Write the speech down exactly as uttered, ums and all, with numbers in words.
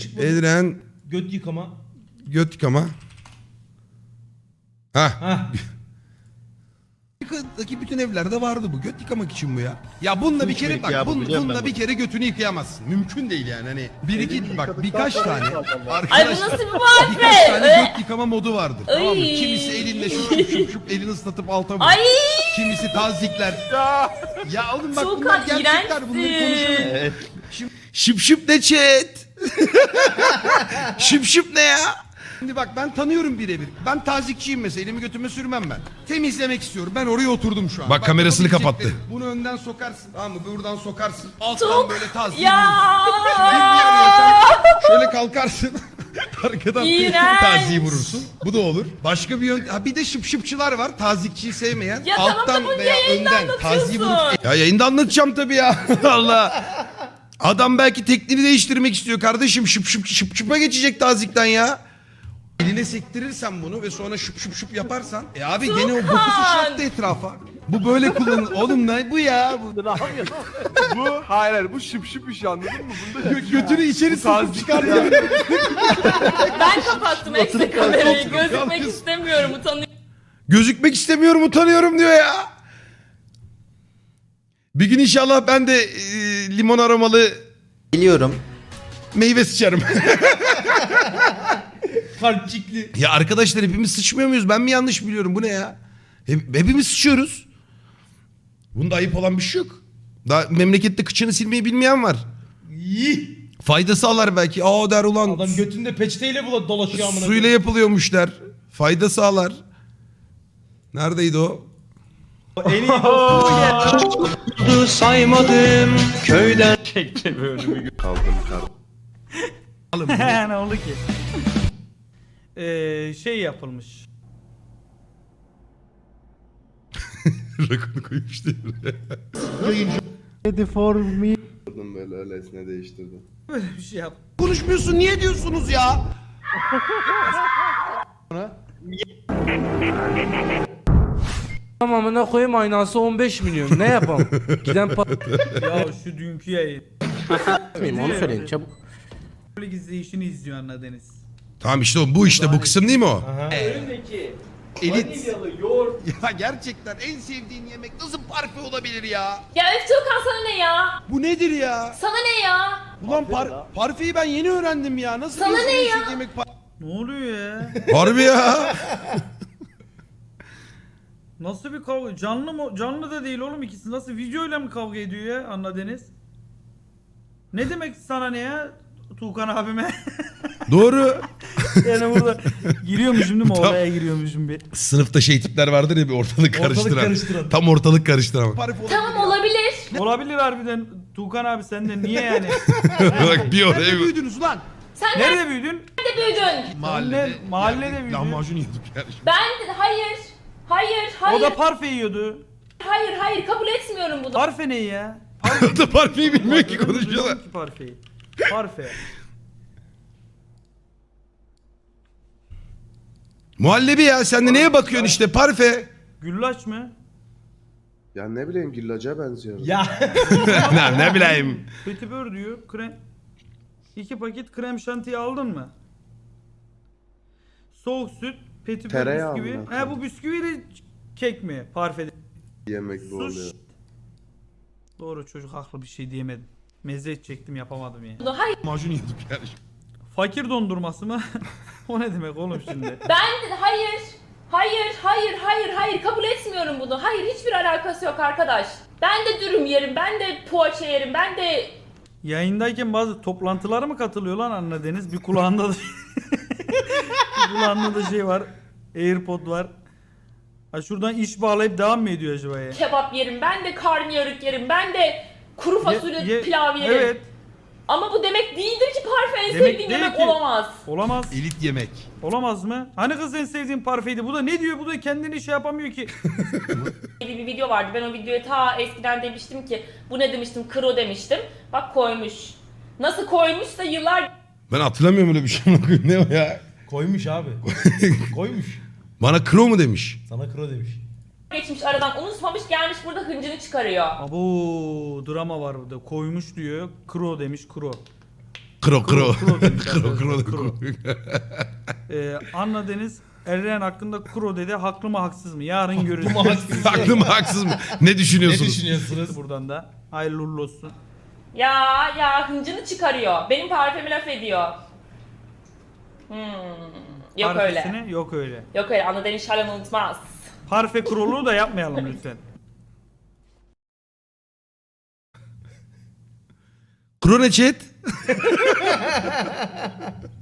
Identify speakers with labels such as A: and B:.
A: Edren
B: Göt yıkama.
A: göt yıkama. Ha.
B: Hah.
C: Amerika'daki bütün evlerde vardı bu. Göt yıkamak için bu ya. Ya bununla bir kere bak,
D: ya bu,
C: bun,
D: biliyorum
C: bununla
D: ben
C: bir
D: bunu.
C: kere götünü yıkayamazsın. Mümkün değil yani hani. Bir iki bak birkaç
D: sonra
C: tane.
D: yıkayacağım ben.
E: Ay bu
C: Arkadaşlar
E: nasıl bir
C: birkaç tane
E: muhabbet?
C: göt yıkama modu vardır.
E: Ay.
C: Tamam mı? Kimisi elinde şup şup şup şup elini ıslatıp alta vurur.
E: Ay
C: Kimisi tazikler. Ya oğlum bak
E: Çok
C: bunlar gerçekler, bunları
E: iğrençsin.
C: konuşalım.
D: Evet.
A: Şıp şıp ne chat? Şıp şıp ne ya?
C: Şimdi bak ben tanıyorum birebir. Ben tazikçiyim mesela, elimi götüme sürmem ben. Temizlemek istiyorum. Ben oraya oturdum şu an.
A: Bak, kamerasını
C: yapabileceklerim.
A: kapattı.
C: Bunu önden sokarsın. Tamam mı? Buradan sokarsın. Alttan
E: çok
C: böyle tazik
E: ya.
C: Şöyle kalkarsın. Arkadan
E: İğrenç.
C: taziyi vurursun. Bu da olur. Başka bir yön... Ha bir de şıp şıpçılar var. Tazikçiyi sevmeyen.
E: Ya tamam da
C: alttan
E: bunu
C: veya
E: yayında
C: önden taziyi vurup...
E: anlatıyorsun.
A: Ya yayında anlatacağım tabii ya. Allah. Adam belki tekniğini değiştirmek istiyor kardeşim. Şıp şıp şıp şıpa geçecek tazikten ya.
C: Eline sektirirsen bunu ve sonra şıp şıp şıp yaparsan... E abi gene o boku sıçrattı etrafa. Bu böyle kullanılır. Oğlum ne bu ya? Bu...
F: Bu hayır hayır bu şıp şıp iş anladın mı? Bunda
C: Gö- götünü içeri sokup çıkartıyor.
E: Ben kapattım ekstra kamerayı. Gözükmek istemiyorum, utanıyorum.
A: Gözükmek istemiyorum, utanıyorum diyor ya. Bir gün inşallah ben de e, limon aromalı
D: Biliyorum.
A: meyve sıçarım.
B: Kalpçikli.
A: Ya arkadaşlar hepimiz sıçmıyor muyuz? Ben mi yanlış biliyorum? Bu ne ya? Hep, hepimiz sıçıyoruz. Bunda ayıp olan bir şey yok. Daha memlekette kıçını silmeyi bilmeyen var.
B: İyi.
A: Faydası sağlar belki. Aa der ulan.
B: Adam götünde peçeteyle bula dolaşıyor amına.
A: Suyla yapılıyormuş der. Fayda sağlar. Neredeydi o?
B: En iyi dostu.
G: saymadım köyden çekti bölümü.
F: kaldım kaldım.
H: Ne oldu ki? Ee, şey yapılmış.
A: Rakunu koymuş diye.
F: Durdum böyle öylesine değiştirdim.
H: Böyle bir şey yap.
C: Konuşmuyorsun, niye diyorsunuz ya?
G: Tamamına koyayım aynası on beş milyon. Ne yapalım? Giden
H: Ya şu dünkü yayın.
G: patlayayım onu söyleyin çabuk.
H: Böyle izleyişini izliyor Anna Deniz.
A: Tamam işte o, bu işte bu kısım değil mi o?
C: Elit. Ya gerçekten en sevdiğin yemek nasıl parfe olabilir ya?
E: Ya öf Tuğkan sana ne ya?
C: Bu nedir ya?
E: Sana ne ya?
C: Ulan par parfeyi ben yeni öğrendim ya. Nasıl
E: Sana
C: bir
E: ne
C: insan
E: ya?
C: yemek par-
H: Ne oluyor ya?
A: Harbi ya.
H: Nasıl bir kavga? Canlı mı? Canlı da değil oğlum ikisi. Nasıl videoyla mı kavga ediyor ya Anna Deniz? Ne demek sana ne ya? Tuğkan abime.
A: Doğru.
H: Yani burada giriyormuşum değil mi?
A: Tam-
H: Oraya giriyormuşum bir.
A: Sınıfta şey tipler vardır ya bir ortalık karıştıran.
B: karıştıran.
A: Tam ortalık karıştıran.
C: parfe olabilir
E: Tamam
C: ya?
E: olabilir.
H: Olabilir harbiden Tuğkan abi sen de niye yani?
A: Bak bir oraya
C: Nerede
A: bir...
C: büyüdünüz lan?
E: Sen
H: Nerede büyüdün?
E: nerede büyüdün?
C: Mahallede.
H: mahallede
C: Ya,
H: büyüdü.
C: Lahmacun yedik yani.
E: Ben hayır. Hayır, hayır.
H: O da parfe yiyordu.
E: Hayır, hayır kabul etmiyorum bunu.
H: Parfe ne ya?
A: O da parfeyi bilmiyor ki
H: Duydum,
A: konuşuyorlar.
H: duydum ki parfeyi. Parfe.
A: Muhallebi ya sen de neye bakıyorsun işte parfe.
H: Güllaç mı?
F: Ya ne bileyim gillaca benziyor.
B: Ya.
A: ne, ne bileyim.
H: Petibör diyor. Krem. İki paket krem şantiyi aldın mı? Soğuk süt, petibör
F: Tereyağı
H: bisküvi.
F: mı?
H: He bu bisküviyle kek mi? Parfede.
F: Yemek bu
H: Sus.
F: oluyor.
H: Doğru çocuk haklı bir şey diyemedim. Meze edecektim yapamadım ya.
E: Hayır.
C: Lahmacun yedik yani.
H: Fakir dondurması mı? O ne demek oğlum şimdi?
E: Ben hayır. Hayır, hayır, hayır, hayır kabul etmiyorum bunu. Hayır hiçbir alakası yok arkadaş. Ben de dürüm yerim, ben de poğaça yerim, ben de
H: Yayındayken bazı toplantılara mı katılıyor lan Anna Deniz? Bir kulağında da bir kulağında da şey var. AirPod var. Ha şuradan iş bağlayıp devam mı ediyor acaba ya?
E: kebap yerim, ben de karnıyarık yerim, ben de kuru fasulye
H: Ye- ye-
E: pilav yerim.
H: Evet.
E: Ama bu demek değildir ki parfe en
H: Demek
E: sevdiğim
H: değil
E: yemek
H: ki.
E: olamaz.
H: Olamaz.
C: Elit yemek.
H: Olamaz mı? Hani kız en sevdiğin parfeydi. Bu da ne diyor? Bu da kendini şey yapamıyor ki.
E: Bir, bir video vardı. Ben o videoya ta eskiden demiştim ki bu ne demiştim? Kro demiştim. Bak koymuş. Nasıl koymuşsa yıllar
A: Ben hatırlamıyorum öyle bir şey. Ne o ya?
B: Koymuş abi. Koymuş.
A: Bana kro mu demiş?
B: Sana kro demiş.
E: geçmiş aradan unutmamış gelmiş burada hıncını çıkarıyor.
H: Abo drama var burada. Koymuş diyor. Kro demiş kro.
A: Kro kro.
H: Kro demiş
A: Kro
H: arkadaşlar,
A: kro.
H: kro. Ee, Anna Deniz Eren hakkında kuro dedi. Haklı mı haksız mı? Yarın görürüz.
A: Haklım haksız mı? Ne
B: Ne
A: düşünüyorsunuz?
B: düşünüyorsunuz?
H: Buradan da hayırlı uğurlu olsun.
E: Ya ya hıncını çıkarıyor. Benim parfümü laf ediyor. Hmm. Yok öyle.
H: Parfesini yok öyle.
E: Yok öyle. Anna Deniz Şalan unutmaz.
H: Parfe kuruluğu da yapmayalım lütfen.
A: Kro ne chat?